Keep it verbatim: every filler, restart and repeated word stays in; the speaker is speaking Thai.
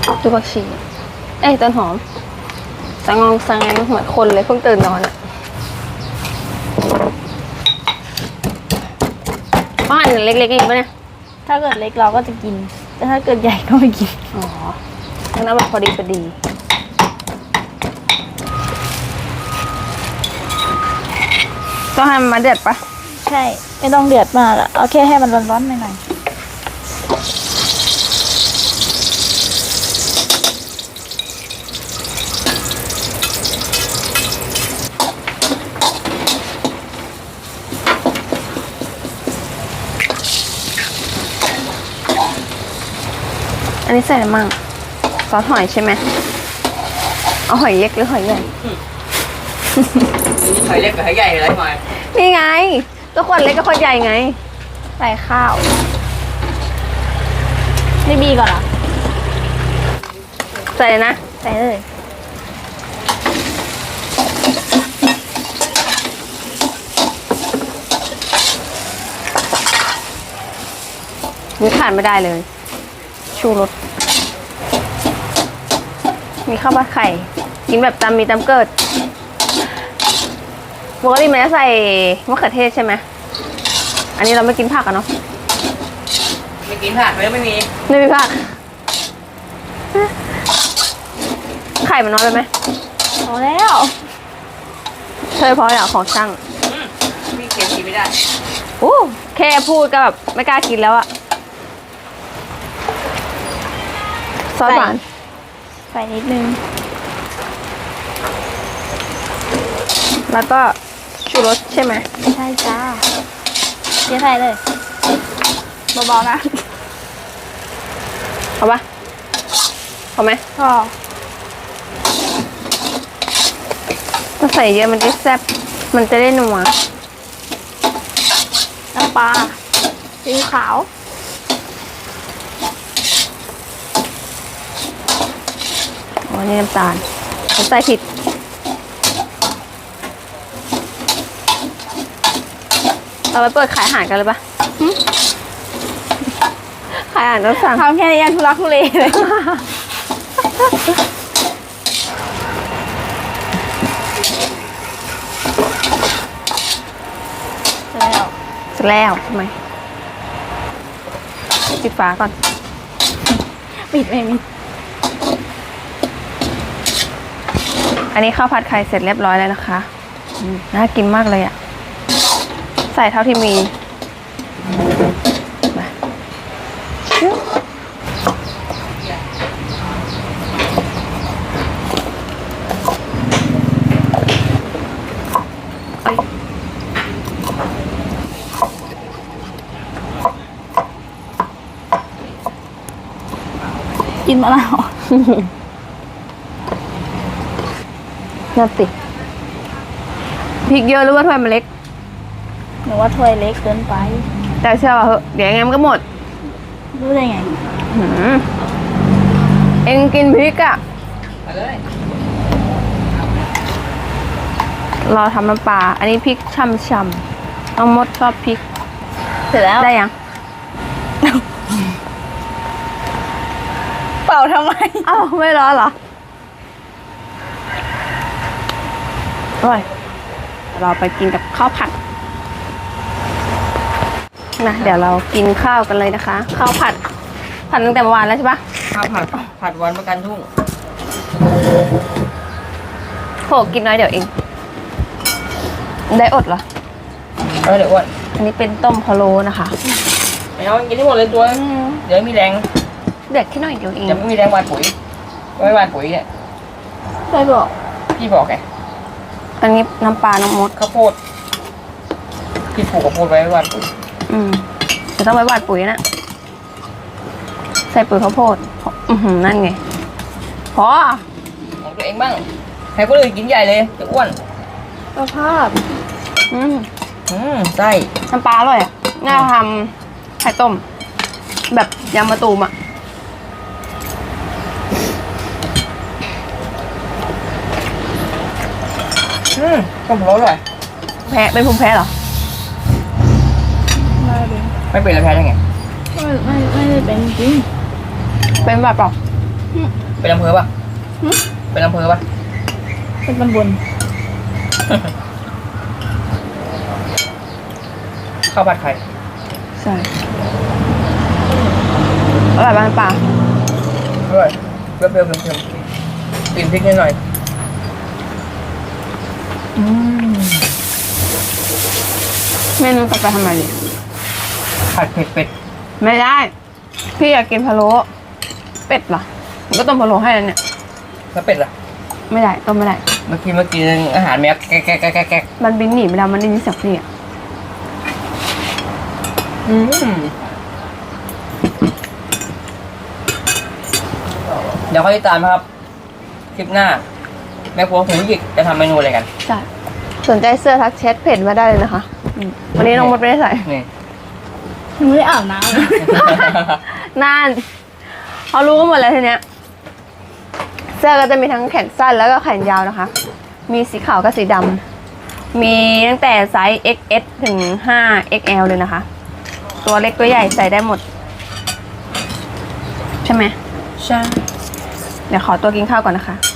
ดูผักชีเอ้ยต้นหอมสังงองสังแงเหมือนคนเลยเพิ่งตื่นนอนอ่ะบ้านเล็กๆอีกปะเนี่ยถ้าเกิดเล็กเราก็จะกินแต่ถ้าเกิดใหญ่ก็ไม่กินอ๋องั้นเอาแบบพอดีพอดีต้องให้มันมาเดือดปะใช่ไม่ต้องเดือดมากอะเอาแค่ให้มันร้อนๆหน่อยอันนี้ใส่อะไรมั่งซอสหอยใช่ไหมเอาหอยเล็กหรือหอยใหญ่หอยเล็กกับหอยใหญ่อะไรหน่อยนี่ไงก็คนเล็กก็คนใหญ่ไงใส่ข้าวไม่บีก่อนเหรอใส่เลยนะใส่เลยนี่ขาดไม่ได้เลยชูรสมีข้าวผัดไข่กินแบบตำมีตำเกิดปกติมันจะใส่มะเขือเทศใช่ไหมอันนี้เราไม่กินผักอะเนาะไม่กินผักแล้วไม่มีไม่มีผักไข่มันน้อยไปไหมพอแล้วเธอพอแล้วของช่างมีเค็มกินไม่ได้โอ้แค่พูดก็แบบไม่กล้ากินแล้วอะซอสหวานใส่นิดนึงแล้วก็ชูรสใช่ไหมใช่จ้าเดี๋ยวใส่เลยเบาๆนะเอาปะเอาไหมพอถ้าใส่เยอะมันจะแซ่บมันจะได้นัวน้ำปลาซีอิ๊วขาวอ๋อนี่น้ำตาลผมใส่ผิดเราไปเปิดขายอาหารกันเลยปะขายอาหารต้องสั่งทำแค่นี้ยังทุลักทุเลเลยแล้วเสร็จแล้วทำไมปิดฝาก่อนปิดไม่มีอันนี้ข้าวผัดไข่เสร็จเรียบร้อยแล้วนะคะน่ากินมากเลยอ่ะใส่เท่าที่มีกินมะนาวน่าติดพริกเยอะหรือว่าถ้วยมันเล็กหนูว่าถ้วยเล็กเกินไปแต่เชื่อว่าเหอะเดี๋ยวยังไงมันก็หมดรู้ได้ไงเอ็งกินพริกอะรอทำน้ำปลาอันนี้พริกช่ำๆน้องมดชอบพริกเสร็จแล้วได้ยังเปล่าทำไมอ้าวไม่ร้อนเหรออร่อยเราไปกินกับข้าวผัดนะเดี๋ยวเรากินข้าวกันเลยนะคะข้าวผัดผัดตั้งแต่เมื่อวานแล้วใช่ปะข้าวผัดผัดวันประกันทุ่งโหกินน้อยเดี๋ยวเองได้อดเหรอเออเดี๋ยวอ้วนอันนี้เป็นต้มพะโล้นะคะไม่เอากินที่หมดเลยตัวเดี๋ยวมีแรงเด็กแค่หน่อยเดียวเองเดี๋ยวไม่มีแรงวานปุ๋ยไม่วานปุ๋ยเนี่ยใครบอกพี่บอกไงอันนี้น้ำปลาน้ำมดข้าวโพดพี่ปลูกข้าวโพดไว้วานปุ๋ยอืมจะต้องไว้หว่านปุ๋ยนะใส่ปุ๋ยข้าวโพดอือหือนั่นไงพอของตัวเองบ้างให้คนอื่นกินใหญ่เลยจะอ้วนสภาพอืมอืมใช่น้ำปลาอร่อยอ่ะน่าทำไข่ต้มแบบยำมะตูมอ่ะอืมต้มพะโล้อร่อยแพ้เป็นภูมิแพ้เหรอไม่เป็นแล้วแพ้ยังไงไม่ไม่ไม่ได้เป็นจริงเป็นแบบเปล่าเป็นอำเภอปะเป็นอำเภอปะเป็นตำบลข้าวผัดไข่ใช่อร่อยบ้านป่าอร่อยเปรี้ยวๆเค็มๆกลิ่นพริกนิดหน่อยอืมเมนูต่อไปทำไมดิผัดเผ็ดเป็ดไม่ได้ พี่อยากกินพะโล้เป็ดเหรอผมก็ต้มพะโล้ให้แล้วเนี่ยแล้วเป็ดล่ะไม่ได้ต้มไม่ได้เมื่อกี้เมื่อกี้อาหารแมวแก๊กแก๊กแก๊กแก๊กแก๊กมันบินหนีไปแล้วมันได้ยินเสียงพี่อะอืมเดี๋ยวค่อยติดตามนะครับ คลิปหน้า แม่ครัวหูหยิกจะทำเมนูอะไรกันใช่สนใจเสื้อทักแชทเพจมาได้เลยนะคะอืมวันนี้น้องมดไม่ได้ใส่นี่ยังไม่ได้อาบน้นานเขารู้กันหมดแล้วทีเนี้ย เสื้อก็จะมีทั้งแขนสั้นแล้วก็แขนยาวนะคะ มีสีขาวกับสีดำมีตั้งแต่ไซส์ เอ็กซ์ เอส ถึง ไฟว์ เอ็กซ์ แอล เลยนะคะ ตัวเล็กตัวใหญ่ใส่ได้หมด ใช่ไหมใช่เดี๋ยวขอตัวกินข้าวก่อนนะคะ